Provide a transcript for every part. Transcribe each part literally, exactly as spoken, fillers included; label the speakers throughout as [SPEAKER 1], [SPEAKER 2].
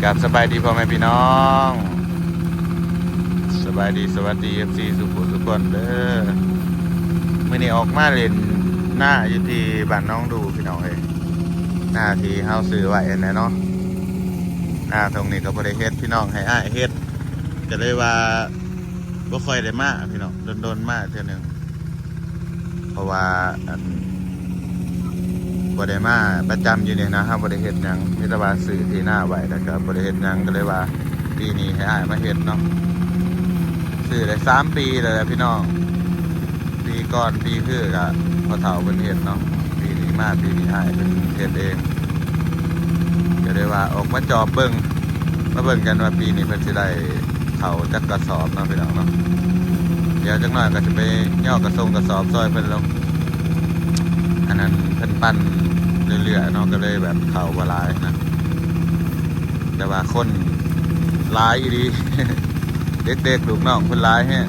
[SPEAKER 1] กับสบายดีพ่อแม่พี่น้องสบายดีสวัสดีเอฟซีสุขุสุขคนเด้อเมื่อนี้ออกมาเล่นหน้าอยู่ที่บ้านน้องดูพี่น้องเอ้ยหน้าที่เฮาซื้อไว้นะเนาะหน้าตรงนี้ก็บ่ได้เฮ็ดพี่น้องให้อ้ายเฮ็ดก็เลยว่าบ่ค่อยได้มาพี่น้องโดนๆมาเทื่อนึงเพราะว่าอันบ่ได้มาประจำอยู่นี่นะครับบ่ได้เฮ็ดหยังมีแต่ว่าซื้อที่หน้าไว้แล้วก็บ่ได้เฮ็ดหยังก็เลยว่าปีนี้ให้อ้ายมาเฮ็ดเนาะซื้อได้สามปีแล้วแหละพี่น้องปีก่อนปีคือก็พอเฒ่าเพิ่นเฮ็ดเนาะปีนี้มาปีนี้อ้ายเพิ่นเฮ็ดเองก็เลยว่าออกมาจอบเบิ่งมาเบิ่งกันว่าปีนี้เพิ่นสิได้เข้าจักกระสอบเนาะพี่น้องเนาะเดี๋ยวจักหน่อยก็จะไปย่อกระทรงกระสอบซอยเพิ่นลงอันนั้นเพิ่นปั้นเรื่อยๆเนาะก็เลยแบบเข่าบ่หลายนะแต่ว่าคนหลายอีดี เด็กๆลูกน้องคนหลายแฮะ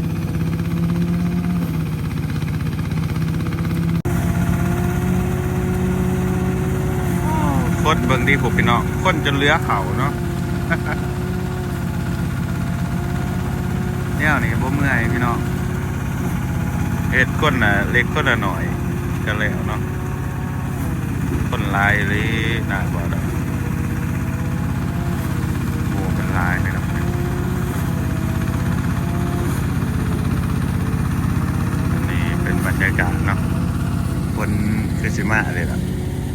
[SPEAKER 1] คนเบิ่งดีผมพี่น้องคนจนเลื้อเข่าเนาะ เนี่ยนี่บ่เมื่อยพี่น้องเฮ็ดคนน่ะเล็กคนน่ะหน่อยก็แล้วเนาะคนลายเลยน่าบ่ดอกโอ้เป็นลายเลยครับอันนี้เป็นบรรยากาศเนาะคนคือสิมาเลยล่ะ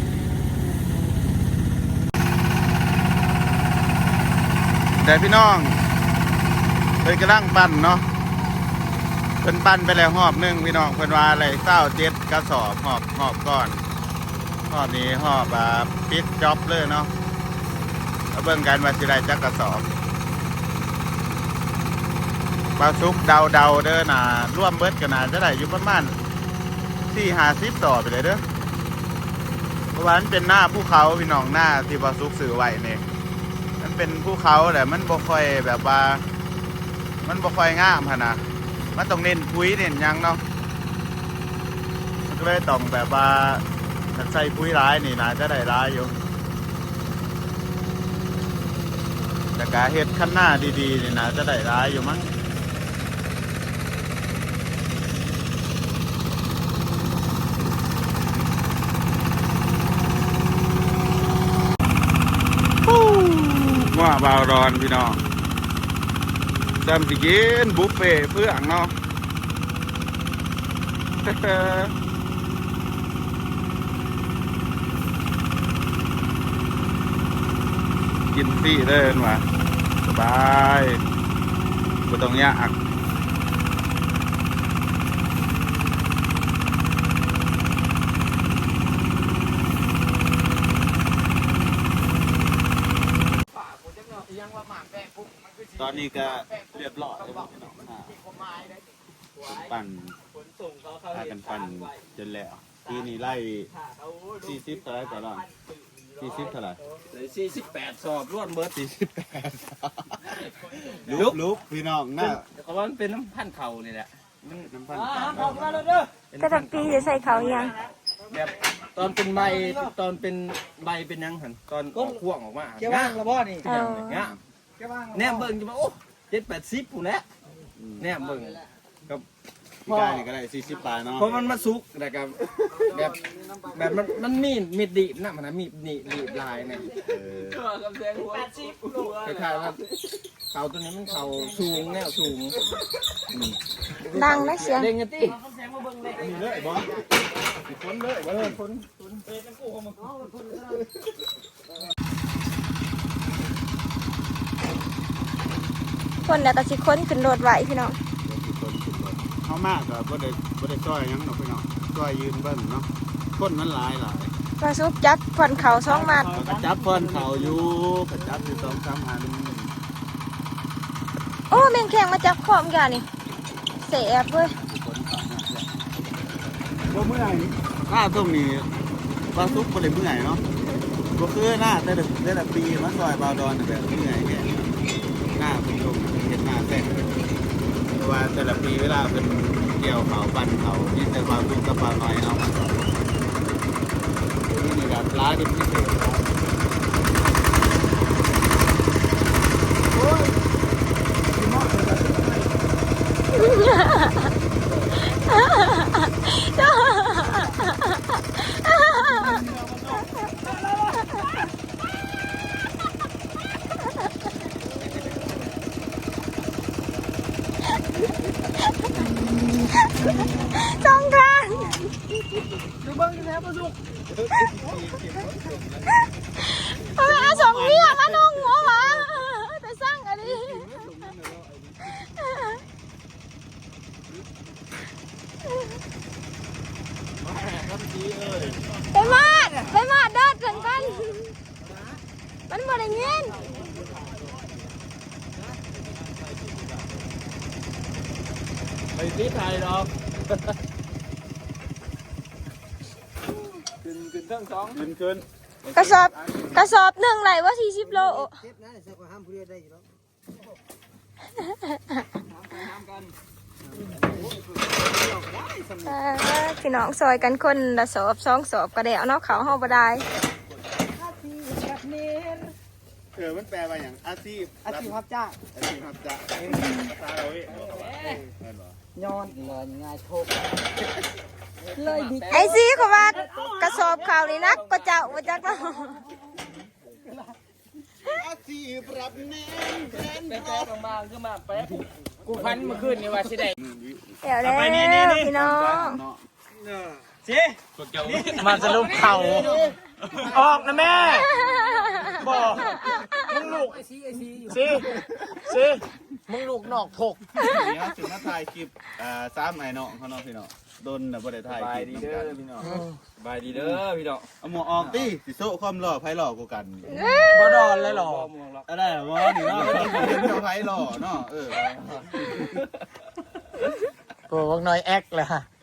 [SPEAKER 1] แต่พี่น้องเพิ่นกำลังปั้นเนาะเพิ่นปั้นไปแล้วหอบหนึ่งพี่น้องเพิ่นว่าอะไรเศร้าเจ็ดกระสอบหอบหอบก่อนหอบนี้หอบแบบปิดจ็อบเลยเนาะมาเบิ่งกันว่าสิได้จักกระสอบปลาซุกเดาเดาเด้อน่ะร่วมเบิดกันน่ะจะได้อยู่ประมาณสี่ห้าสิบต่อไปเลยเด้อเพราะว่ามันเป็นหน้าภูเขาพี่น้องหน้าที่ปลาซุกสื่อไว้เนี่ยมันเป็นภูเขาแต่มันบ่ค่อยแบบว่ามันบ่ค่อยงามขนาดมันต้องเน้นปุ๋ยเน้นยังเนาะมันก็เลยต้องแบบว่าถ้าใส่ปุ๋ยร้ายนี่น่าจะได้ร้ายอยู่แต่การเฮ็ดขั้นหน้าดีๆนี่น่าจะได้ร้ายอยู่มั้งว่าบาวรอนพี่น้องจำสิกินบุฟเฟ่เพื่อนเนาะ กินฟรีเด้อว่ะสบายบ่ต้องยากตอนนี้ก็เรียบร้อยแล้วพี่น้องปั่นพากันปั่นจนแล้วทีนี้ไล่สี่สิบเท่าไรก่อนสี่สิบเท่าไร
[SPEAKER 2] สี่สิบแปดสอบรวดเบิร์ด
[SPEAKER 1] สี่สิบแปดลุกลุกพี่น้องน่ะ
[SPEAKER 2] เขาว่ามันเป็นน้ำพันเข่านี่แหละ
[SPEAKER 1] น้ำพัน
[SPEAKER 3] ก็ตักปีจะใส่เขายัง
[SPEAKER 2] แบบตอนเป็นใบตอนเป็นใบเป็นยังหันตอนก็พ่วงออกมา
[SPEAKER 4] เกี่ยวว่างระบอนี่
[SPEAKER 2] เงี้ยแนมเบิ่งจะมาโอ้เจ็ดแปดสิบผู้นี้แนมเบิ่งกับ
[SPEAKER 1] พี่กายนี่ก็ได้สี่สิบปลายเนาะ
[SPEAKER 2] เพราะมันมาซุกแต่กับแบบแบบมันมันมีดมีดดีนะมันนะมีดดีดีลายเนี่ยคล้ายๆว่าเขาตัวนี้มันเขาสูงแนวสูง
[SPEAKER 3] ดังนะเสียง
[SPEAKER 2] เด้งกันตี
[SPEAKER 1] มีเลยบอส
[SPEAKER 2] คนเลยว่าเลยคน
[SPEAKER 3] คนเนี่ยก็สิค้นขึ้นรถไหวพี่น้อง
[SPEAKER 1] เขามากก็บ่ได้บ่ได้จ้อยยังเนาะพี่น้องจ้อยยืนเบิ้งเนาะคนมันหลายหลาย
[SPEAKER 3] ปลาซุปจับผ่อนเขาสองมัด
[SPEAKER 1] ก็จับผ่อนเขาอยู่ก็จับอยู่สองสามอัน
[SPEAKER 3] โอ้แมงแข็งมาจับขอบกันนี่เสียบเว้ย
[SPEAKER 1] บ่เมื่อยหน้าตรงนี้ปลาซุปบ่ได้เมื่อยเนาะบ่คือหน้าแต่แต่ละปีมาซอยบาวดอนแบบเมื่อยแค่หน้าเป็นตรงเห็นหน้าแท้เพราะว่าแต่ละปีเวลาเป็นเกี่ยวเขาปั่นเขาที่แต่ความทุกข์กับความน้อยเอามานี่แบบร้ายเป็นพิเศษ
[SPEAKER 3] เอาไปเอาสองเบี้ยมานุ่งหัวหมาไปสร้างอันนี้ไปมาดไปมาดเดินกันกันมันบ่ได้เงิน
[SPEAKER 2] ไปที่ไทยหรอกขึ้นขึ้นเครื่องสองขึ้นขึ้น
[SPEAKER 3] กระสอบกระสอบหนึ่งไหลว่าสี่สิบโล
[SPEAKER 4] เจ็บนะเสียกว่าห้ามผู้เดียวได้อยู่แล้ว
[SPEAKER 3] เออพี่น้องซอยกันคนละสอบสองสอบกระเดี่ยวเนาะเขาห้องบ่ได้
[SPEAKER 1] เออมันแปลว่าอย่างอาชีพ
[SPEAKER 4] อาชีพรับจ้าง
[SPEAKER 1] อาชีพครับจะภาษาเราเว้ย
[SPEAKER 4] ย้อนเลยง่ายโชคเลยดิ
[SPEAKER 3] ไอซีเขาว่ากระสอบข่าวนี่นักก็เจ้าว่าจักเนาะ
[SPEAKER 1] อาชีพรับเน้นแทน
[SPEAKER 2] แป๊บๆมาขึ้นมาแป๊บกูพันเมื่อคืนนี่ว่าสิได้
[SPEAKER 3] เดี๋ยวแล้วพี่น้อง
[SPEAKER 2] สิมาสรุปเข่าออกนะแม่บอกมึงลูกสิสิมึงลูกนอกถก
[SPEAKER 1] นี่ครับถึงมาถ่ายคลิปอ่าซ้ำไอ้น้องเขาเนาะพี่น้องโดนน่ะบ่ได้ถ่ายคลิปน้ำกัน
[SPEAKER 2] พี่น้องบายดีเด้อพี่น้อง
[SPEAKER 1] เอาหมวกออกติสิโซ่ความหล่อไผหล่อกูกัน
[SPEAKER 2] บ่ดอนเลยหรอ
[SPEAKER 1] อะไรหรอวะนี่เนาะเป็นไผหล่อเนาะเออ
[SPEAKER 2] โอ้พวกน้อยแอคเลยฮะ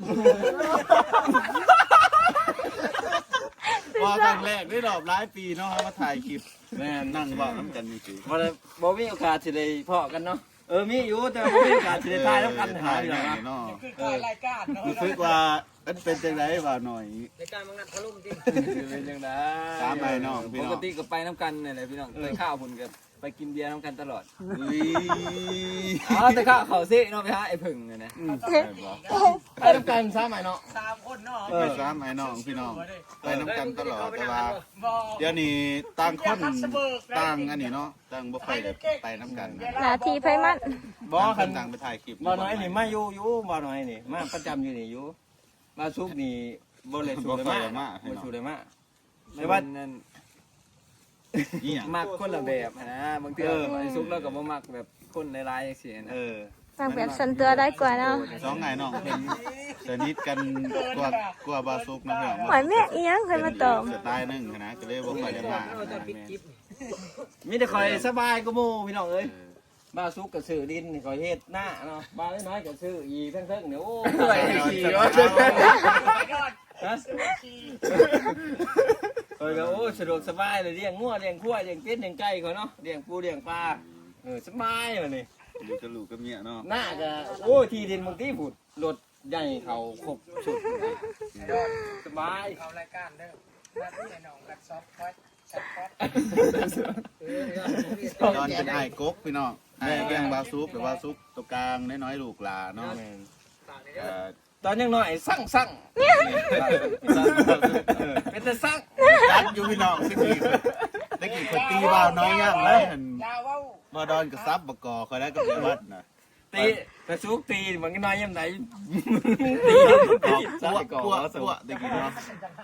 [SPEAKER 1] ว่าครั้งแรกได้รอบหลายปีเนาะมาถ่ายคลิปแม่นั่งเว้าน้ำกันนี่สิ
[SPEAKER 2] บ่ได้บ่มีโอกาสสิได้พอกันเนาะเออมีอยู่แต่บ่มีโอกาสสิได้ทายแล้วกันหาอยู่นะ
[SPEAKER 1] เนาะ
[SPEAKER 4] คือการรายการเนาะ
[SPEAKER 1] รู้สึกว่ามันเป็นจังไดว่าหน่อย
[SPEAKER 4] รายการมังงัดทะลุจริง
[SPEAKER 2] เป็นจังได๋
[SPEAKER 1] ตามไปน้องพี่
[SPEAKER 2] ป
[SPEAKER 1] น้อง
[SPEAKER 2] กติก็ไปน้ำกันนี่แหละพี่น้องไปข้าวพุ่นก็ไปกินเบียร์น้ำกันตลอด
[SPEAKER 1] อุ้ย
[SPEAKER 2] อ๋อแต่ข้าวเขาซิเนาะไปหาไอ้ผึ่งเนี่ยนะไปน้ำกันซ้ำไหมเนาะ
[SPEAKER 4] สามคนเนาะ
[SPEAKER 1] ไปซ้ำไอ้น้องพี่น้องไปน้ำกันตลอดแต่ว่าเดี๋ยวนี้ต่างคนต่างอันนี้เนาะต่างบ่ค่อยได้ไปน้ำกันนะ
[SPEAKER 3] หน้าที่ไพมัน
[SPEAKER 2] บ่
[SPEAKER 1] ต่างค
[SPEAKER 2] คั
[SPEAKER 1] น
[SPEAKER 2] น
[SPEAKER 1] ต่างไปถ่ายคลิป
[SPEAKER 2] บ่น้อยนี่มาอยู่อยู่บ่น้อยนี่มาประจำอยู่นี่อยู่มาซุกนี่บ่เลยสูเลยมาบ่สูเลยมาแต่ว่านั่น
[SPEAKER 1] อีหยัง
[SPEAKER 2] มักคนละแบบนะบางทีไอ้ซุกแล้วก็บ่มักแบบคนหลายๆจังซี่นะ
[SPEAKER 1] เออ
[SPEAKER 3] ทางแบบสันตัวได้กว่าเนาะ
[SPEAKER 1] สองไงน้องเป็นสนิทกันกว่ากว่าบาซุกนะพี่น้อง
[SPEAKER 3] หอยแม่อีหยังเคยมาตอม
[SPEAKER 1] สไตล์หนึงนะก็เลยบ่ค่อยได้มา
[SPEAKER 2] มีแต่คอยสบายก็หมู่พี่น้องเอ้ยบ้าซุกก็ซื้อดินนี่คอยเฮ็ดหน้าเนาะบ้าน้อยๆก็ซื้ออีเพิ่งๆเนี่ยโอ้ยขี่วะฮะเออโอ้สะดวกสบายเลยเลี้ยงงัวเลี้ยงควายเลี้ยงเป็ดเลี้ยงไก่เขาเนาะเลี้ยงปูเลี้ยงปลาเออสบายเลยนี่
[SPEAKER 1] อยู่กับลูกกับเมียเนาะ
[SPEAKER 2] หน้าก็โอ้ที่ดินบางทีผุดรถใหญ่เขาครบสุดสบาย
[SPEAKER 4] เอารายการเด้อมาที่ไหนน้องกัดซอฟต์พอดซับพอด
[SPEAKER 1] ตอนเป็นไอ้กกพี่น้องไอ้เลี้ยงบาซุกหรือบาซุกตัวกลางน้อยๆลูกหลาเนาะเอ่อ
[SPEAKER 2] ตอนยังน้อยสั่งสั่งเป็นแต่สั่ง
[SPEAKER 1] ตัดอยู่พี่น้องสิกี้ตะกี้คนตีบ่าวน้อยย่างไรหัน
[SPEAKER 4] ยาว้าว
[SPEAKER 1] บ่ดอนกับซับบกอคอยได้กับเยวัดนะ
[SPEAKER 2] ตีแต่ซุกตีมันก็น้อยยังไงตี
[SPEAKER 1] ป
[SPEAKER 2] ใส่
[SPEAKER 1] วด
[SPEAKER 2] ก่อ
[SPEAKER 1] ปวด
[SPEAKER 2] น
[SPEAKER 1] ปวดตะกี้เนาะ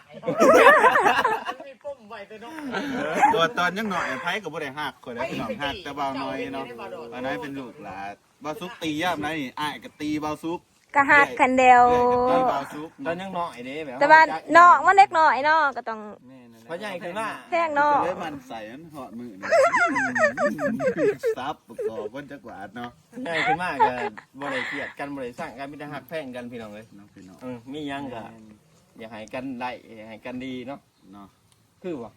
[SPEAKER 4] มีปุ่มไว้แต่น้อง
[SPEAKER 1] ตัวตอนยังหน่อยไผก็บ่ได้หักคอยได้พี่น้องหักแต่บ่าวน้อยเนาะบ่าวน้อยเป็นลูกหลานบ่าวซุกตีย่ามไรนี่อ้ายก็ตีบ่าวซุก
[SPEAKER 3] กะหักกันเดียว
[SPEAKER 1] เรื่อยกับตีบ่าวซุก
[SPEAKER 2] ตอนยังน้อยเด้แบบ
[SPEAKER 3] แต่ว่าน้องมันเล็กน้อยเนาะก็ต้อง
[SPEAKER 2] เพราะใหญ่ขึ้นมา
[SPEAKER 3] แพงเนาะ
[SPEAKER 1] เลยมันใส่อันหอดมือนี่ซับบกอคนจักหวาดเนาะ
[SPEAKER 2] ใหญ่ขึ้นมากกันบริเกียดกันบริสร้างกันมีแต่หักแพงกันพี่น้องเลย
[SPEAKER 1] น้องพี่น้อง
[SPEAKER 2] เออมียังก็อยากให้กันไล่อยากให้กันดีเนาะ
[SPEAKER 1] เนาะ
[SPEAKER 2] คือวะ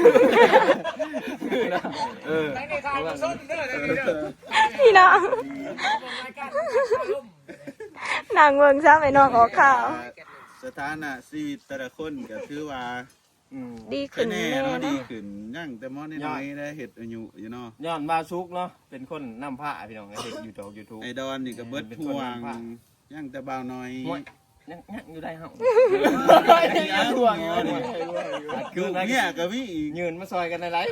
[SPEAKER 1] เออ
[SPEAKER 4] ในในทางมันส้นเด้อในนี้เด้อ
[SPEAKER 3] พี่น้อง
[SPEAKER 4] รายการมันกัดทะลุ
[SPEAKER 3] นางเมืองซ้ำไอ้น้องออกข่าว
[SPEAKER 1] สถานะชีวิตแต่ละคนก็ถือว่า
[SPEAKER 2] อืม
[SPEAKER 3] ดี
[SPEAKER 1] แค่
[SPEAKER 3] ขึ้น
[SPEAKER 1] แน่
[SPEAKER 3] แน่
[SPEAKER 1] เนาะดี
[SPEAKER 3] เนาะ
[SPEAKER 1] ขึ้นยั่งแต่มอน้อยๆได้เห็ดอายุอยู่เนาะ
[SPEAKER 2] ย้อนมาซุกเนาะเป็นคนนำผ้าพี่น้องเห็นยูทูบยูทูบ
[SPEAKER 1] ไอดอนนี่ก็เบิดพวงยั่งแต่บ่าวน้อย
[SPEAKER 2] ยังยังอยู่ได้เฮา
[SPEAKER 1] ยังพวงอยู่นี่
[SPEAKER 2] คื
[SPEAKER 1] ลู
[SPEAKER 2] อก นะ
[SPEAKER 1] เนี่ยก็มีอีก
[SPEAKER 2] ยืนมาซอยกันในไลฟ์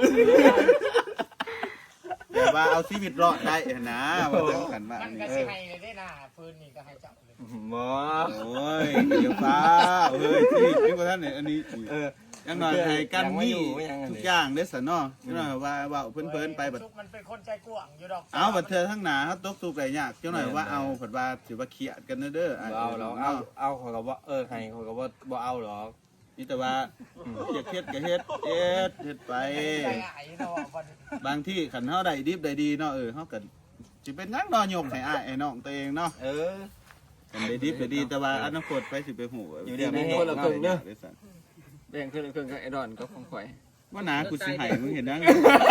[SPEAKER 1] แต่ว่าเอาชีวิตรอดได้นะว่าจังกันว่า
[SPEAKER 4] มัน
[SPEAKER 1] นี่
[SPEAKER 4] ก็สิให้ได้น่ะปืนนี่ก็ให้จับเลย
[SPEAKER 2] บ่
[SPEAKER 5] โอ้ยเดี๋ยวฟ้าเฮ้ยที่ที่ว่าท่านเนี่ยอันนี้เออยังหน่อยให้กันมีทุกอย่างเด้อสนอยังหน่อยว่าว่าเพิ่นๆไปบัด
[SPEAKER 2] มันเป็นคนใจกว้างอยู่ดอก
[SPEAKER 5] เอาบัดเธอทั้งหนาเขาตกตุกได้ยากจังหน่อยว่าเอาผัดว่าสิว่าเขียดกันเด้อ
[SPEAKER 6] เอาเราเอาเอาเขาก็ว่าเออใครเขาก็ว่าบ่เอาหรอก
[SPEAKER 5] นี่แต่ว่าอยากเฮ็ดก็เฮ็ดเฮ็ดเฮ็ดไป
[SPEAKER 2] ใจหายเนาะบัด
[SPEAKER 5] บางที่ขันเฮาได้ดิบได้ดีเนาะเออเฮาก็สิเป็นหยังเนาะยกให้อ้ายไอ้น้องตัวเองเนาะ
[SPEAKER 6] เออ
[SPEAKER 5] กันได้ดิบได้ดีแต่ว่าอนาคตไปสิไปหู
[SPEAKER 6] อยู่เดี๋ยวนี้คนละครึ่งเด้อ แบ่งขึ้นครึ่งกับไอ้ดอนก็ของข่อย
[SPEAKER 5] ว่าหนากูสิให้มึงเห็นนัง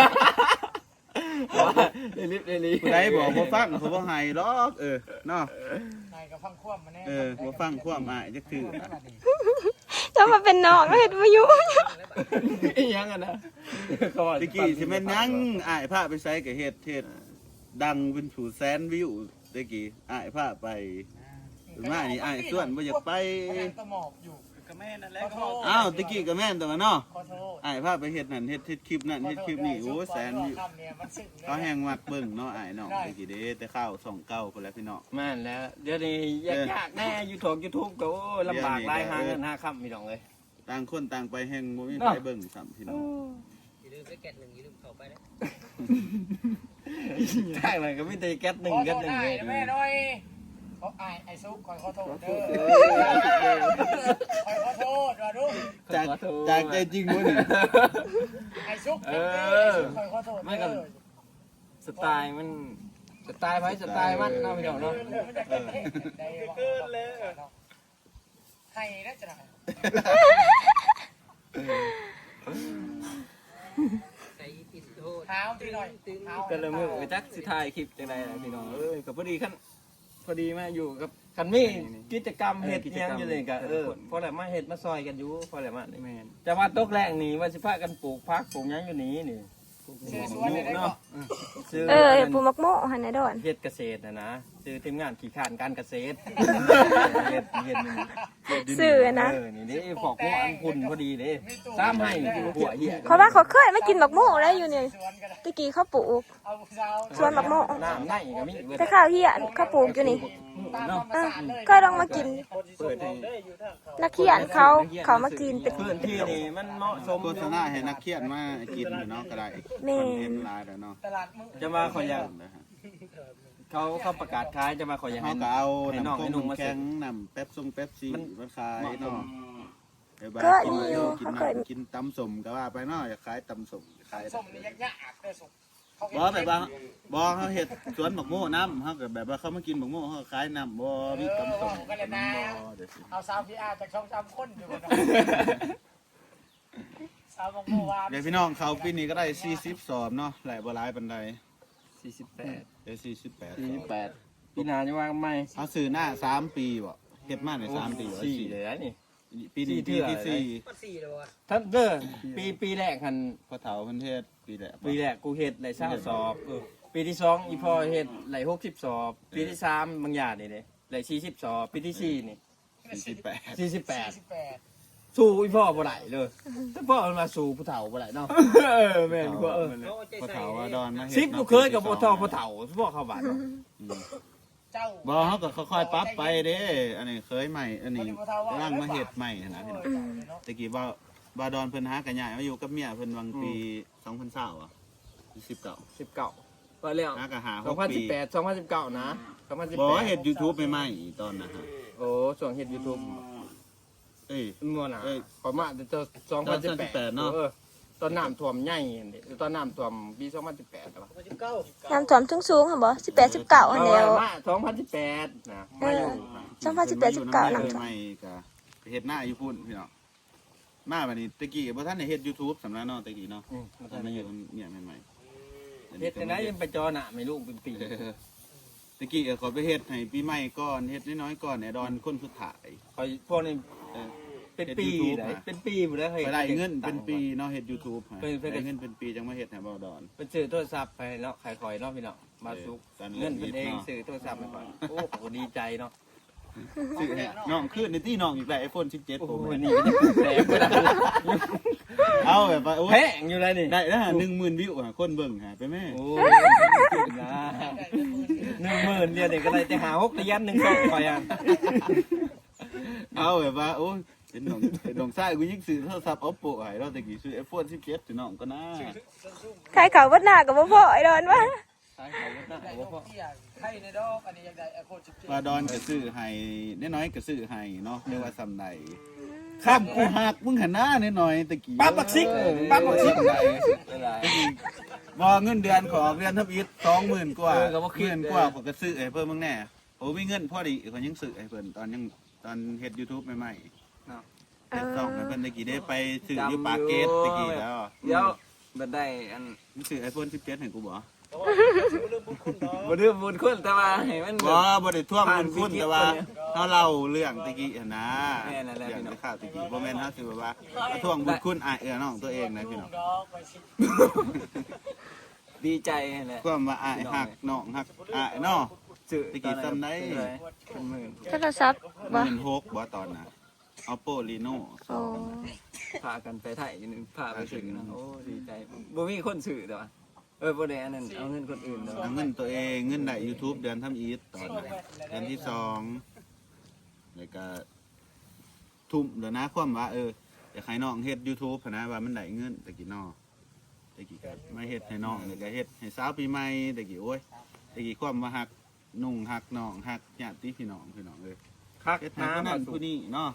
[SPEAKER 6] เดลิฟเดลิ
[SPEAKER 5] ผู้ใดบอกบ่ฟังเขาบ่ให้หรอกเออเนาะ
[SPEAKER 2] นายก็ฟังควบมาแน่
[SPEAKER 5] เออบ่ฟังความอ้ายจักคือ
[SPEAKER 3] จะมาเป็นน้องเฮ็ดบ่อยู่
[SPEAKER 6] อีหยังอ่ะนะก็
[SPEAKER 5] ตะกี้สิแม่นหยังอ้ายพาไปใส่ก็เฮ็ดเฮ็ดดังเป็นผู้แสนวิวตะกี้อ้ายพาไปถึงมานี่อ้ายส่วนบ่อยากไป
[SPEAKER 2] ก็หมอบอยู่ก็แม่นั่นแหละ
[SPEAKER 5] อ้าวตะกี้ก็แม่นแต่ว่าเนาะ
[SPEAKER 2] ขอโทษ
[SPEAKER 5] อ้ายพาไปเฮ็ดนั่นเฮ็ดเฮ็ดคลิปนั่นเฮ็ดคลิปนี่โอ้แสนวิว
[SPEAKER 2] คำเนี่ยมันซึ้ง
[SPEAKER 5] เขาแหงมักเบิ่งเนาะอ้ายน้องตะกี้เด้แต่ข้าวสองเก้าพุ่นแหล้วพี่น้อง
[SPEAKER 6] แม่นแล้ว เดี๋ยวนี้ยากๆแน่ยูทูบยูทูบก็โอ้ลำบากหลายหาเงินหาค่ำพี่น้องเอ้ย
[SPEAKER 5] ต่างคนต่างไปแหงบ่มีใครเบิ่งซ้ำพี่น้อง
[SPEAKER 6] ทางนั้นก็มีแต่แก๊สหนึ่งแก๊สหนึ่งเลย
[SPEAKER 2] แม่น้อยเขาไอ้ไอ้ซุกคอยขอโทษเด้อคอยขอโทษว่าลูก
[SPEAKER 5] จากจากใจจริงบ่นี่
[SPEAKER 2] ไอ้ซุกคอยขอโทษ
[SPEAKER 6] ไม่กันสไตล์มันสไตล์ไว้สไตล์มันเนาะพี่น้องเนาะ
[SPEAKER 2] เกินเลยให้ได้จะได้เท้าที่หน่อยเท้า
[SPEAKER 6] ก็เลยมือไปจักสิถ่ายคลิปจังไดล่ะพี่น้องเอ้ยก็พอดีคันพอดีมาอยู่กับคันมีกิจกรรมเฮ็ดอิหยังอยู่เลยก็เออพอแล้วมาเฮ็ดมาซอยกันอยู่พอแล้วมานี่จะมาตกแรงนี่ว่าสิพากันปลูกผักปลูกหยังอยู่นี่นี่
[SPEAKER 2] ชื่อสวนเลยได้
[SPEAKER 6] เนาะ
[SPEAKER 2] เนาะ
[SPEAKER 3] เออปูมักโม่หั่นน่ะดอน
[SPEAKER 6] เฮ็ดเกษตรน่ะนะซื้อทีมงานขี้ข้านการเกษตรเฮ็ดเฮ็ดนี่
[SPEAKER 3] ซื้อนะ
[SPEAKER 6] เออนี่นี่พอกพวกอันพุ่นพอดีเด้ซ้ำให้หัวเหี้ย
[SPEAKER 3] เพราะว่าเขาเคยมากินบักโม่แล้วอยู่นี่
[SPEAKER 2] สวนกัน
[SPEAKER 3] ตะกี้เขาปลูก
[SPEAKER 2] เอาสาว
[SPEAKER 3] สวนบักโม่
[SPEAKER 6] น้ำในก็มีเบิด
[SPEAKER 3] แต่ข้าวเฮียนเขาปลูกอยู่นี่
[SPEAKER 2] ตามธรรม
[SPEAKER 3] เออ
[SPEAKER 2] ศาสตร์เลย
[SPEAKER 3] ก็ลองมากิน
[SPEAKER 6] เปิดให้
[SPEAKER 3] นักเขียนเขาเขามากินเป็น
[SPEAKER 6] พื้นที่นี่มันเหมาะสม
[SPEAKER 5] โฆษณาให้นักเขียนมากินอยู่เนาะก็ได้คอนเทนต์หลายแล้วเนาะ
[SPEAKER 2] ตลาดมึง
[SPEAKER 6] จะมาขออยากเขาเขาประกาศขายจะมาขออยาก
[SPEAKER 5] เฮา
[SPEAKER 6] ให้
[SPEAKER 5] ก็เอา
[SPEAKER 6] ให้น้อง
[SPEAKER 5] น้ำ
[SPEAKER 6] ให้
[SPEAKER 5] ส้
[SPEAKER 6] นุ่ม
[SPEAKER 5] ม
[SPEAKER 6] มา
[SPEAKER 5] แข็
[SPEAKER 6] ซื้
[SPEAKER 5] ง
[SPEAKER 6] อ
[SPEAKER 5] น้ำเป๊ปซงเป๊ปซี่มาขายเนาะเดี๋ยวบา
[SPEAKER 3] ก็
[SPEAKER 5] กิน
[SPEAKER 3] มีอยู่
[SPEAKER 5] กิน
[SPEAKER 3] เขาเคย
[SPEAKER 5] น้ำกินตำสมก็ว่าไปเนาะอยากขายตำสมขาย
[SPEAKER 2] สมนี่ยากๆเด้อสุก
[SPEAKER 5] บ่แบบว่าบ่เฮาเฮ็ดสวนบักโม่น้ำเฮาก็แบบว่าเขามากินบักโม่เฮาก็ขายน้ำบ่มีตำสม
[SPEAKER 2] ก็เลยนะ
[SPEAKER 5] บ่เดี๋ยวสิ
[SPEAKER 2] เอาสาวพีอาร์จากช่องสามคนอยู่นะสาวของเมื่อวาน
[SPEAKER 5] เดี๋ยวพี่น้องเขาปีนี้ก็ได้สี่สิบสอบเนาะหลายบ่หลายปานใด
[SPEAKER 6] สี่สิบแปด
[SPEAKER 5] เดี๋ยวสี่สิบแปด
[SPEAKER 6] สี่สิบแปดปีหน้าจะว่าไหม
[SPEAKER 5] เอาซื้อหน้าสามปีบ่เฮ็ดมาในสามปีบ่
[SPEAKER 6] สี่
[SPEAKER 5] สี่
[SPEAKER 6] เลยนะนี่
[SPEAKER 5] ปีนี้
[SPEAKER 6] สี่
[SPEAKER 5] ปี
[SPEAKER 6] เทื่อ
[SPEAKER 5] ที่สี่
[SPEAKER 6] ท่านเด้อปีปีแรกหัน
[SPEAKER 5] พอเฒ่าเพิ่นเทศปีแรก
[SPEAKER 6] ปีแรกกูเฮ็ดไหลเศร้าสอบเออปีที่สองอีพ่อเฮ็ดไหลหกสิบสอบปีที่สามบางอย่างนี่เลยไหลสี่สิบสอบปีที่สี่นี่
[SPEAKER 5] สี่สิบแปด
[SPEAKER 6] สี่สิบแปด
[SPEAKER 2] สิบแปด
[SPEAKER 6] สู้อีพ่อบ่ได้เลยแต่พ่อมันมาสู้ผู้เฒ่าบ่ได้เนาะเออแม่นกว่าเออ
[SPEAKER 5] พอเฒ่าว่าดอนมาเฮ็ด
[SPEAKER 6] สิบลูกเคยกับบ่เฒ่าผู้เฒ่าพ่อเข้าบ้านเนาะ
[SPEAKER 5] อืม
[SPEAKER 2] เจ้า
[SPEAKER 5] บ่เฮาก็ค่อยๆปรับไปเด้ อันนี้เคยใหม่ อันนี้กำลังมาเฮ็ดใหม่นะพี่น้องตะกี้ว่าบาดอนเพิ่นหากันใหญ่มาอยู่กับเมียเพิ่นวังปีสองพันยี่สิบอ่ะสิบเก้า
[SPEAKER 6] สิบเก้าว่าแล้ว
[SPEAKER 5] หาก็หา
[SPEAKER 6] สอง
[SPEAKER 5] หก
[SPEAKER 6] พัน
[SPEAKER 5] ปี
[SPEAKER 6] สิบแปดสองพันสิบเก้านะสองพันสิบ
[SPEAKER 5] บ่
[SPEAKER 6] แปด
[SPEAKER 5] เฮ็ด YouTube ใหม่ๆตอนนั้นฮะ
[SPEAKER 6] โอ้ช่วงเฮ็ด YouTube
[SPEAKER 5] เอ้ย
[SPEAKER 6] มั่วน่ะ
[SPEAKER 5] เอ้ย
[SPEAKER 6] ประมาณแต่สองพันสิบแปด
[SPEAKER 5] เนาะ
[SPEAKER 6] เออตอนน้ำท่วมใหญ่อันนี้ตอนน้ำท่วมปีสองพันสิบแปดครับ
[SPEAKER 3] น้ำท่วมสูงๆหั่นบ่สิบแปด สิบเก้าหั่นแล้ว
[SPEAKER 6] มาสองพันสิบแปดนะมาอยู่
[SPEAKER 3] สองพันสิบแปด สิบเก้า
[SPEAKER 5] พิ่
[SPEAKER 3] น้ำ
[SPEAKER 5] ม
[SPEAKER 3] ท่วม
[SPEAKER 5] ใหม่ๆก็ไปเฮ็ดหน้าอยู่พุ่นพี่น้องมาบัดนี้ตะกี้บ่ทันได้เฮ็ด YouTube สำหรับเนาะตะกี้เนาะ
[SPEAKER 6] อืม
[SPEAKER 5] ตอนมาอยู่เมียใหม่ๆ
[SPEAKER 6] เฮ็ดแต่ไหนยังไปจอหน้าไม่รู้เป็นปี
[SPEAKER 5] เออตะกี้ก็ขอไปเฮ็ดให้ปีใหม่ก่อนเฮ็ดน้อยๆก่อนไอ้ดอนคนสุดท้าย
[SPEAKER 6] คอยพวกนี้
[SPEAKER 5] เออ
[SPEAKER 6] เป็นปีไหนเป็นปีหมดแล้ว
[SPEAKER 5] ไปได้เงินเป็นปีเนาะเฮ็ด YouTube ฮะ
[SPEAKER 6] เป็นเป็น
[SPEAKER 5] ได้เงินเป็นปีจังมาเฮ็ดให้บ่ดอน
[SPEAKER 6] เป็นซื้อโทรศัพท์ไปเนาะขายคอยเนาะพี่เนาะมาซุก
[SPEAKER 5] เออ
[SPEAKER 6] เงินเป็นเอง
[SPEAKER 5] เนาะ
[SPEAKER 6] ซื้อโทรศัพท์ไปก่อนโอ้โหดีใจเนาะ
[SPEAKER 5] ซื้อให้น้องขึ้นในที่น้องอีกแล้ว iPhone สิบเจ็ด
[SPEAKER 6] โอ้
[SPEAKER 5] Pro
[SPEAKER 6] โห
[SPEAKER 5] Max
[SPEAKER 6] นี่ก็จะแสบไปแล้ว
[SPEAKER 5] เอาแบบว่าโอ้
[SPEAKER 6] แพ
[SPEAKER 5] ย
[SPEAKER 6] งอยู่เลยนี่
[SPEAKER 5] ได้แล้วหนึ่งหมื่นวิวหะคนเบิ่งหะไปแม่
[SPEAKER 6] โอ้ยนะหนึ่งนึ่งหมื่นเดียวนี่ก็ได้แต่หาหกระยะหนึ่งสองไปอ่ะ
[SPEAKER 5] เอาแบบว่าโอ้ยเป็นน้องเป็นน้องชายกูยิ่งซื้อโทรศัพท์ Oppo ให้เราแต่กี้ซื้อ ไอโฟนสิบเจ็ดสิน้องก็น่า
[SPEAKER 3] ใครเขาวัดหน้ากับบ่พอไอ้ดอนวะ
[SPEAKER 6] ใช่เขาหน้าหัวพ่อ
[SPEAKER 4] ไข่ในดอกอันนี้ยังได้ไอโฟนสิบเจ็ด
[SPEAKER 5] บาดอนก็ซื้อให้น้อยๆก็ซื้อให้เนาะเรียกว่าซำใดข้ามกูหักมึงหันหน้าน้อยๆตะกี้
[SPEAKER 6] ปั๊บบักซิกปั๊บบักซิก
[SPEAKER 5] ตะกี้บ่เงินเดือนขอเดือนทับอิฐสองหมื่นกว่าหมื่นกว่าผมก็ซื้อให้เพิ่นมึงแน่โอ้มีเงินพอดีเขายังซื้อให้เพิ่นตอนยังตอนเฮ็ด YouTube ใหม่ๆเฮ็ดช่องให้เพิ่นตะกี้ได้ไปซื้ออยู่ปากเกร็ดตะกี้แล้ว
[SPEAKER 6] เดี๋ยวบัดได้อัน
[SPEAKER 5] มึงซื้อ ไอโฟนสิบเจ็ดให้กูบ่
[SPEAKER 6] บ่ดื้อบุญคุณแต่ว่าให้มัน
[SPEAKER 5] บ่บ่ได้ท่วงบุญคุณแต่ว่าเฮาเล่าเรื่องตะกี้หั่นนะ
[SPEAKER 6] แม่นั่นแหละ
[SPEAKER 5] เรื่
[SPEAKER 6] พี่
[SPEAKER 5] อง
[SPEAKER 6] น้อง
[SPEAKER 5] ที่ข่าวตะกี้บ่แม่นเฮาสิแบบว่าท่วงบุญคุณอ้ายเอื้อน้องตัวเองนะพี่น้อง
[SPEAKER 6] ดีใจแหละ
[SPEAKER 5] ความว่าอ้ายฮักน้องฮักอ้ายเนาะ
[SPEAKER 6] ซื้อ
[SPEAKER 5] ตะกี้จำได้
[SPEAKER 6] เป็นหมื่น
[SPEAKER 3] โทรศัพท์บ่
[SPEAKER 5] หมื่นหกบ่ตอนน่ะ Oppo Reno
[SPEAKER 3] โอ้
[SPEAKER 6] พากันไปไทยนึงพาไปซื้อนะโอ้ดีใจบ่มีคนซื้อแต่ว่าเออบ่ได้อันนั้นเอาเงินคนอื่นเนาะ
[SPEAKER 5] เอาเงินตัวเองเงินได้ YouTube เดือนทำอีทตอนนั้นเดือนที่สองแล้วก็ทุ่มแล้วนะความว่าเอออยากให้น้องเฮ็ด YouTube หั้นนะว่ามันได้เงินตะกี้น้อตะกี้ก็มาเฮ็ดให้น้องแล้วก็เฮ็ดให้สาวปีใหม่ตะกี้โอ้ยตะกี้ความว่าฮักนุ่งฮักน้องฮักญาติพี่น้องพี่น้องเอ้ย
[SPEAKER 6] คัก
[SPEAKER 5] เฮ็ดให้
[SPEAKER 6] น้ำ
[SPEAKER 5] ผู้
[SPEAKER 6] มา
[SPEAKER 5] นั้น
[SPEAKER 6] สู่
[SPEAKER 5] ผู้นี้เนาะ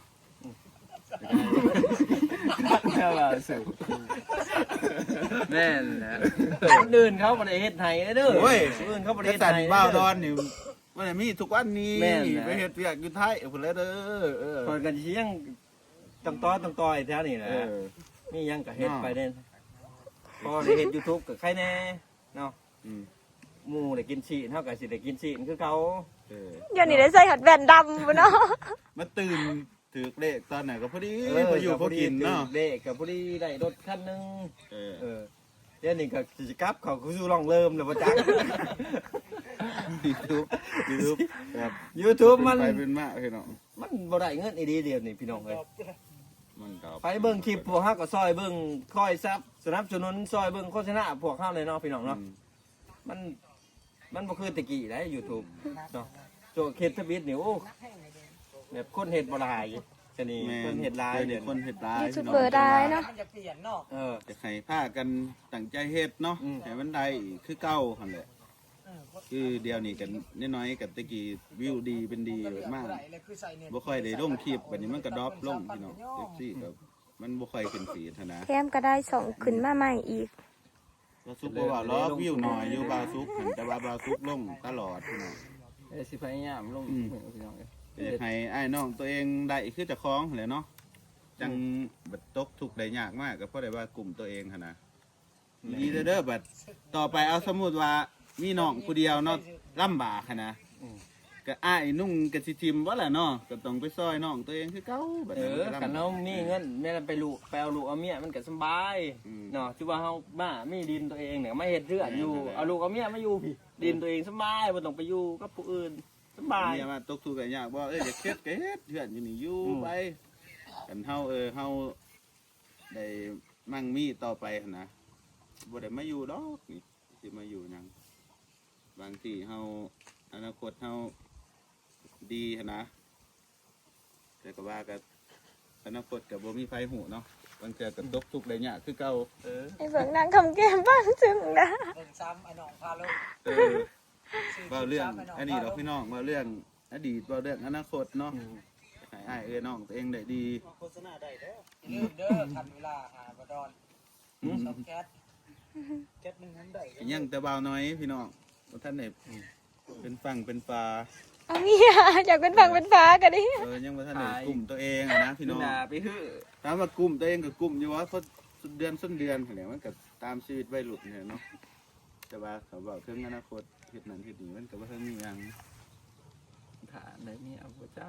[SPEAKER 6] คักแค่ว่าสู่แม่นแหละคนอื่นเขาบ่ได้เฮ็ดให้เด้อ
[SPEAKER 5] โอ้ย
[SPEAKER 6] คนอื่นเขาบ่ได้
[SPEAKER 5] แต่
[SPEAKER 6] เฮ็ด
[SPEAKER 5] สัน
[SPEAKER 6] ให้
[SPEAKER 5] บ้าวดอนนี่มันมีทุกวันนี้
[SPEAKER 6] แม่นนะ
[SPEAKER 5] ไปเฮ็ดเวียกอยู่ไทยพุ่นแล้วเด้อเออ
[SPEAKER 6] คนกันสิยังตังต้อตังต้อยแถวนี้แหละ
[SPEAKER 5] เออ
[SPEAKER 6] นี่ยังก็เฮ็ดไปเด่นพอได้เฮ็ด YouTube ก็ใครแน่เนาะ
[SPEAKER 5] อืม
[SPEAKER 6] หมู่ได้กินชีนเฮาก็สิได้กินชีนคือเก่า
[SPEAKER 5] เออ
[SPEAKER 3] เดี๋ยวนี้ได้ใส่หัดแว่นดำบ่เนาะ
[SPEAKER 5] มาตื่นถือเลขตอนไหนก็พอดีพออยู่พอกินเนาะ
[SPEAKER 6] เด็กก็พอดีได้รถคันหนึง
[SPEAKER 5] เออ
[SPEAKER 6] เออเดี๋ยวนี้ก็สิกลับเขาก็สู่ลองเริ่มแล้วบ่จัก
[SPEAKER 5] ยูทูบยูทูบแบบ
[SPEAKER 6] YouTube มัน
[SPEAKER 5] ไปเป็นมากพี่น้อง
[SPEAKER 6] มันบ่ได้เงินอีดีเดียวนี่พี่น้องเอ้ย
[SPEAKER 5] มันก็
[SPEAKER 6] ไปเบิ่งคลิปพวกเฮาก็ซอยเบิ่งคอยซับสนับสนุนซอยเบิ่งโฆษณาพวกเฮาเลยเนาะพี่น้องเนาะมันมันบ่คือแตะกี้ได้ YouTube เนาะโจเฮ็ดทวิตนี่โอ้แบบคนเฮ็ดบ่หลายจะนี่
[SPEAKER 5] แม่
[SPEAKER 6] คนเฮ็ดหลาย
[SPEAKER 5] เดี๋
[SPEAKER 6] เดี๋
[SPEAKER 5] ย
[SPEAKER 6] ยว ว
[SPEAKER 5] คนเฮ็ดหลาย
[SPEAKER 3] ยูทู
[SPEAKER 5] พี่
[SPEAKER 3] บ
[SPEAKER 5] น้อง
[SPEAKER 3] เบอร์ได้เนาะ
[SPEAKER 4] มันจะเปลี่ยนเนาะ
[SPEAKER 6] เออ
[SPEAKER 5] จะให้พากันตั้งใจเฮ็ดเนาะ
[SPEAKER 6] อืม
[SPEAKER 5] ให้มันได้คือเก่าหั่นแหละคือเดียวนี้กันน้อยๆกับตะกี้วิวดีเป็นดีมาก
[SPEAKER 4] เลยคือใส่เน็ต
[SPEAKER 5] บ่ค่อยได้ลงคลิปบัดนี้มันก็ดรอปลงพี่น้อง เอฟ ซี ก็มันบ่ค่อยขึ้นฟีดหั้นนะ
[SPEAKER 3] แถมก็ได้ส่งขึ้นมาใหม่อีก
[SPEAKER 5] บาซุกบ่ว่าล้อวิวหน่อยอยู่บาซุกหันแต่ว่าบาซุกลงตลอดพี่น้อง
[SPEAKER 6] เอ้ยสิพยายามลง
[SPEAKER 5] อืม
[SPEAKER 6] พี่น้องเอ้ย
[SPEAKER 5] อยากให้อ้ายน้องตัวเองได้คือเจะคล้าของแหละเนาะจังบัดตกทุกข์ได้ยากมากก็เพราะได้ว่ากลุ่มตัวเองหั่นนะดีเด้อเด้อบัดต่อไปเอาสมมุติว่ามีน้องผู้เดียวเนาะลำบากหั่นนะก็อ้ายนุ่งกะสิทิมบ่ล่ะเนาะก็ต้องไปซอยน้องตัวเองคือเก่าบัด
[SPEAKER 6] เอ
[SPEAKER 5] นั้น
[SPEAKER 6] อ
[SPEAKER 5] ก็ลำบาก
[SPEAKER 6] คันเฮามีเงินแม่นไปลูกไปเอาลูกเอาเมียมันก็สบาย
[SPEAKER 5] อืม
[SPEAKER 6] เนาะที่ว่าเฮาบ้ามีดินตัวเองเนี่ยไม่เฮ็ดเรือนอยู่
[SPEAKER 5] แม่นๆ
[SPEAKER 6] เอาลูกเอาเมียมาอยู่พี่ดินตัวเองสบายบ่ต้องไปอยู่กับผู้อื่นสบาย
[SPEAKER 5] เมียมาตกทุกข์กันยากบ่เอ้ยอย่าเครียดก็เฮ็ดเพื่อนอยู่นี่อยู่
[SPEAKER 6] อืม
[SPEAKER 5] ไปกันเฮาเออเฮาได้มั่งมีต่อไปหั่นนะบ่ได้มาอยู่ดอกนี่สิมาอยู่หยังบางทีเฮาอนาคตเฮาดีหั่นนะแต่ก็ว่าก็อนาคตก็บ่มีไฟหูเนาะบางเทื่อก็ตกทุกข์ได้ยากคือเก่าเออ
[SPEAKER 3] ไอ้เบิ่งนางคำแก้มบ้างซึ้งนะ
[SPEAKER 4] เบิ่งซ้ำไอ้น้องพาลง
[SPEAKER 5] เออเว้าเรื่องอันนี้ดอกพี่น้องเว้าเรื่องอดีตเว้าเรื่องอนาคตเนาะให้อ้ายเอ้ยน้องตัวเองได้ดี
[SPEAKER 4] ลืมเด้อทันเวลาหาบดอนช็อปแก๊สแก๊สมันนั้นได้
[SPEAKER 5] ยังแต่เบาน้อยพี่น้องบ่ท่านได้เป็นฝั่งเป็นปลา
[SPEAKER 3] เอาเมียอยากเป็นฝั่งเป็นฟ้ากันดิ
[SPEAKER 5] เออยังบ่ท่านได้กลุ่มตัวเองอะนะพี่น้อง
[SPEAKER 6] ด่าไปฮื้อ
[SPEAKER 5] ถามว่ากลุ่มตัวเองก็กลุ่มอยู่ว่าเพราะสุดเดือนส้นเดือนแหละมันก็ตามชีวิตวัยรุ่นเนี่ยเนาะแต่ว่าเขาบอกถึงอนาคตเฮ็ดนั้นเฮ็ดนี้มันก็บ่ทันมีหยัง
[SPEAKER 6] ถาได้เมียบ่จัก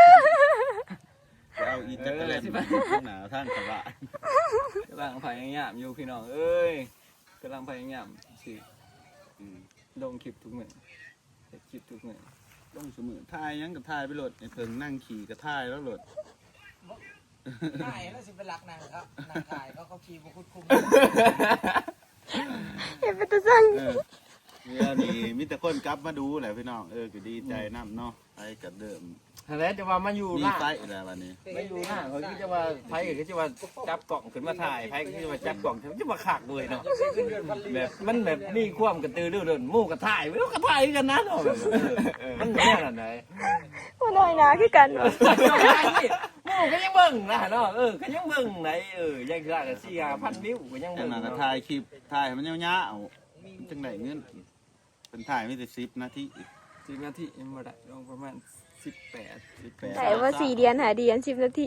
[SPEAKER 5] จะเอาอีจักรแลน
[SPEAKER 6] เออสิ
[SPEAKER 5] ด์
[SPEAKER 6] ไป
[SPEAKER 5] ข้างหน้าทางกระบะ
[SPEAKER 6] กำลังพยายามอยู่พี่น้องเอ้ยกำลังพยายามสิ
[SPEAKER 5] อืม
[SPEAKER 6] ลงคลิปทุกมื้อเฮ็ดคลิปทุกมื้อ
[SPEAKER 5] ลงเสมอถ่ายหยังก็ถ่ายไปโหลดไอ้เพิ่งนั่งขี่ก็ถ่ายแล้วโหลด
[SPEAKER 4] นายแล้วสิเป็นหลักนางครับนางถ่ายเขาเขาขี่บุคุดคุม
[SPEAKER 3] เห็นเป็นตะสั่ง
[SPEAKER 5] เออเวลานี้มีแต่คนกลับมาดูแหละพี่น้องเออก็ดีใจนำเนาะไปกับเดิม
[SPEAKER 6] แล้วจะว่ามาอยู่
[SPEAKER 5] มี
[SPEAKER 6] หน้า
[SPEAKER 5] ไฟแล้ววันนี้
[SPEAKER 6] มาอยู่หน้าเขาคิดจะว่าไพ่ก็จะว่าจับกล่องขึ้นมาถ่ายไพ่ก็จะว่าจับกล่องจะมาขากเลยเนาะแบบมันแบบมีความกระตือรือร้นหมู่กระถ่ายไม่รู้กระถ่ายกันนะเนาะมันแน่นอนไหน
[SPEAKER 3] บ่น้อยหนาคือกันวะ
[SPEAKER 6] หมู่ก็ยังเบิ่งนะเนาะเออก็ยังเบิ่งไหนเออยังได้กันสี่ห้าพันวิวก็ยัง
[SPEAKER 5] จั
[SPEAKER 6] เบิ่
[SPEAKER 5] ง
[SPEAKER 6] ง
[SPEAKER 5] นั้นก็
[SPEAKER 6] เนาะ
[SPEAKER 5] ถ่ายคลิปถ่ายให้มันยาวๆจังไดเงินเป็นถ่ายมีแต่สิบนาที
[SPEAKER 6] สิบนาทียังบ่ได้ลงประมาณสิบแปด
[SPEAKER 5] สิบแปด
[SPEAKER 3] แต่ว่าสี่เดือนหาเดือนสิบนาที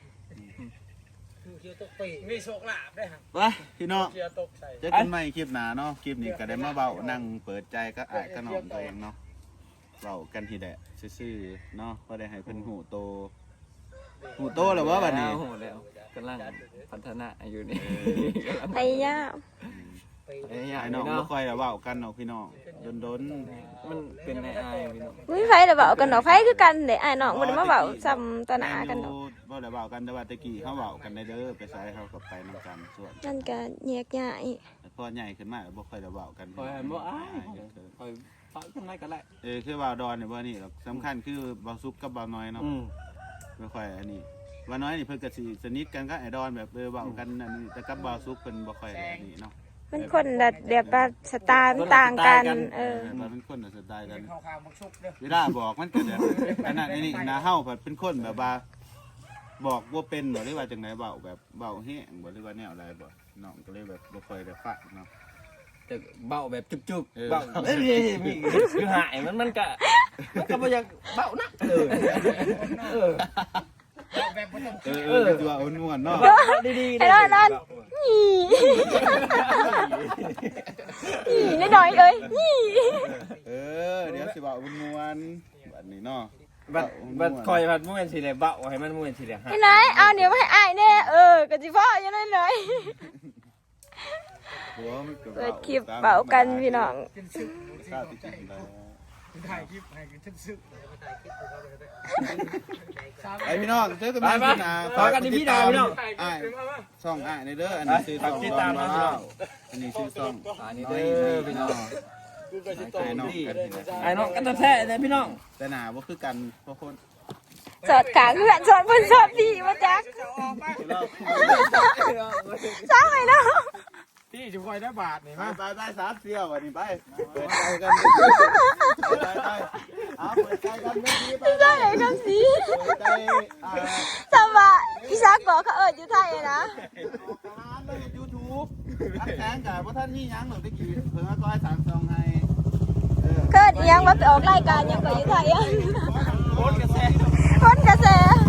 [SPEAKER 4] มีโชคลาภด้วยฮะ
[SPEAKER 5] ไปพี่น้อง
[SPEAKER 4] เกียร์ตกใส่
[SPEAKER 5] เจอกันใหม่คลิปหน้าเนาะคลิปนี้ก็ได้มาเบานั่งเปิดใจก็อายก็น้องตัวเองเนาะเบากันทีแดะซื่อๆเนาะก็ได้ให้เพิ่นหูโตหูโตแล้วว่าบัดนี้
[SPEAKER 6] โอ้โหแล้วกำลังพัฒนาอยู่นี่
[SPEAKER 3] พยายาม
[SPEAKER 6] ไอ้ยา
[SPEAKER 5] ไอ้
[SPEAKER 6] ย
[SPEAKER 5] น้อง
[SPEAKER 6] เนาะ
[SPEAKER 5] บ่ค่อยได้เว้ากันเนาะพี่น้องดน
[SPEAKER 6] มันเป็นไอ้ไอ้พี่น้อง
[SPEAKER 3] มีไผได้เว้ากันดอกไผคือกันเด้อ้ายน้องบ่ได้มาเว้าซ้ำต่อหน้ากันดอก
[SPEAKER 5] บ่ได้เว้ากันแต่ว่าตะกี้เฮาเว้ากันได้เด้อไปไสเฮาก็ไปนำกันส่วน
[SPEAKER 3] นั่นก็แยกย้าย
[SPEAKER 5] แต่พอใหญ่ขึ้นมาบ่ค่อยได้เว้ากัน
[SPEAKER 6] คอยบ่อ้ายคอยฟังกันได้ก็ได้
[SPEAKER 5] เออคือเว้าดอนเนี่ยบ่นี่หรอกสำคัญคือเว้าซุกกับเว้าน้อยเนาะ
[SPEAKER 6] อืม
[SPEAKER 5] ไม่ค่อยอันนี้เว้าน้อยนี่เพิ่นก็สิสนิทกันกับไอ้ดอนแบบเออเว้ากันอันนี้แต่กับเว้าซุกเพิ่นบ่ค่อยอันนี้เนาะ
[SPEAKER 3] มันคนละแบบว่าสไตล์มันต่างกัน เออ
[SPEAKER 5] เราเป็นคนน่ะสไตล์กัน
[SPEAKER 4] ข้าวข้าวมักชุบเด้อ
[SPEAKER 5] เวลาบอกมันก็แบบอันนั้นอันนี้นะเฮาแบบเป็นคนแบบว่า บอกว่าเป็นบ่หรือว่าจังไดเว้าแบบเว้าแห้งบ่หรือว่าแนวอะไรบ่น้องก็เลยแบบบ่ค่อยได้ฟังเนาะ
[SPEAKER 6] จะเบาแบบจุบ
[SPEAKER 5] เออ
[SPEAKER 6] ๆเบาเอ้ยมีคือหายมันมันก็มันก็บ่อยากเบานะเออเออ
[SPEAKER 4] แบบบ่ต้อง
[SPEAKER 5] เออเออคือว่าอ้วนๆเนาะ
[SPEAKER 6] เบาดีๆ
[SPEAKER 3] ไอ้นั่นนั่น นี่นี่น้อยๆเอ้ยนี่
[SPEAKER 5] เออเดี๋ยวสิเว้าม่วนๆบัดนี้เนาะ
[SPEAKER 6] บัดบัดคอยบัดม่วนสิเลยเบาให้มันม่วนสิเลยฮะ
[SPEAKER 3] ไอ้ไหนเอาเดี๋ยวมาให้อ้ายแน่เออก็สิพ่ออยู่นั่นเลย
[SPEAKER 5] หัวมันก็
[SPEAKER 3] เปิดคลิปเบากันพี่น้อง
[SPEAKER 4] เป็นซึก
[SPEAKER 5] ข้าวที่กินแล้ว
[SPEAKER 4] ถ่ายคลิปให้กันทึบซึก
[SPEAKER 5] ไอพี่น้องเจอกันใหม่พี่นาอ้ายช่องอ้ายในเด้ออันนี้ชื่อช่องดอนว้าวอันนี้ชื่อช่อง
[SPEAKER 6] อันนี้เด้อพี่น้อง
[SPEAKER 5] ไอ้น้องกันนี่นะ
[SPEAKER 6] ไอ้น้องกันแท้ๆเลยพี่น้อง
[SPEAKER 5] แต่หนาบ่คือกันเพราะคน
[SPEAKER 3] สอดขาเพื่อนสอดเพื่อนสอดพี่มาจัก
[SPEAKER 5] เรา
[SPEAKER 3] สร้างไงเนาะ
[SPEAKER 2] พี่จะคอยได้บาทนี่
[SPEAKER 5] ไป
[SPEAKER 2] มา
[SPEAKER 5] ไปไปสามเที่ยววันนี้ไปเปิดใจกันไปไปเอาเปิดใจกันไม่ดีไป
[SPEAKER 3] พี่ได้ไหนคำสี
[SPEAKER 5] เปิดใจอ่า
[SPEAKER 3] สมว่าอีซักบอกเขาเอิดอยู่ไทยนะ
[SPEAKER 5] ทหารเลยยูทูบอันแสงกับว่าท่านนี่ยังหนูตะกี้เพิ่งมาก้อยสามซองให้เออ
[SPEAKER 3] เกิดอีหยังว่าไปออกรายการหยังก็อยู่ไทยอ่ะ
[SPEAKER 5] โคตรกระแส
[SPEAKER 3] คนกระแส